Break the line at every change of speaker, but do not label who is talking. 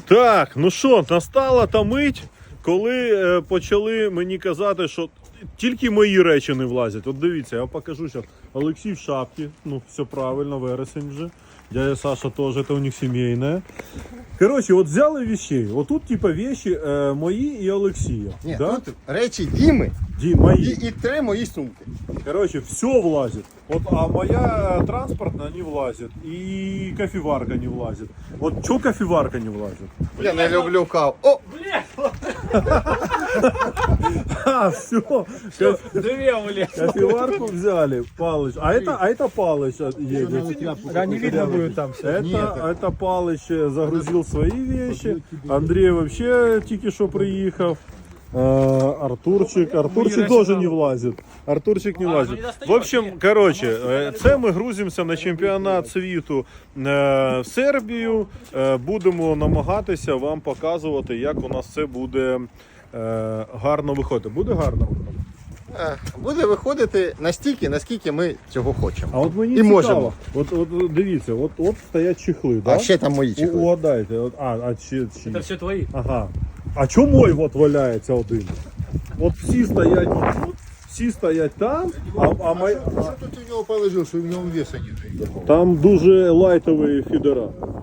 Так, ну що, настала та мить, коли почали мені казати, що тільки мої речі не влазять. От дивіться, я вам покажу зараз. Олексій в шапці, ну все правильно, вересень вже. Дядя Саша теж, це у них сімейне. Коротше, от взяли вещей. Отут типа вещи мої і Олексія.
Ні,
да?
тут речі Діми
Мої.
і 3 мої сумки.
Короче, все влазит. Вот, а моя транспортная не влазит. И кофеварка не влазит. Вот что кофеварка не влазит?
Я не люблю каву. О!
А, все.
Две улез.
Кофеварку взяли. Палыч. А это Палыч едет.
Да, не видно будет там все.
Это Палыч загрузил свои вещи. Андрей вообще тільки що приїхав. Артурчик тоже не влазит. Артурчик не влазит. В общем, короче, це ми грузимося на чемпіонат світу в Сербію. Будемо намагатися вам показувати, як у нас це буде гарно виходити. Буде гарно?
Буде виходити настільки, наскільки ми цього хочемо.
А от мені
І
цікаво.
можемо.
От дивіться, от стоять чехли, да?
А ще там мої чехли.
Угадайте. Чи...
Это все твои.
Ага. А чому мой от валяється один? От всі стоять тут, всі стоять там, а мої...
Що тут у нього положив, що в ньому веса не?
Там дуже лайтові фідера.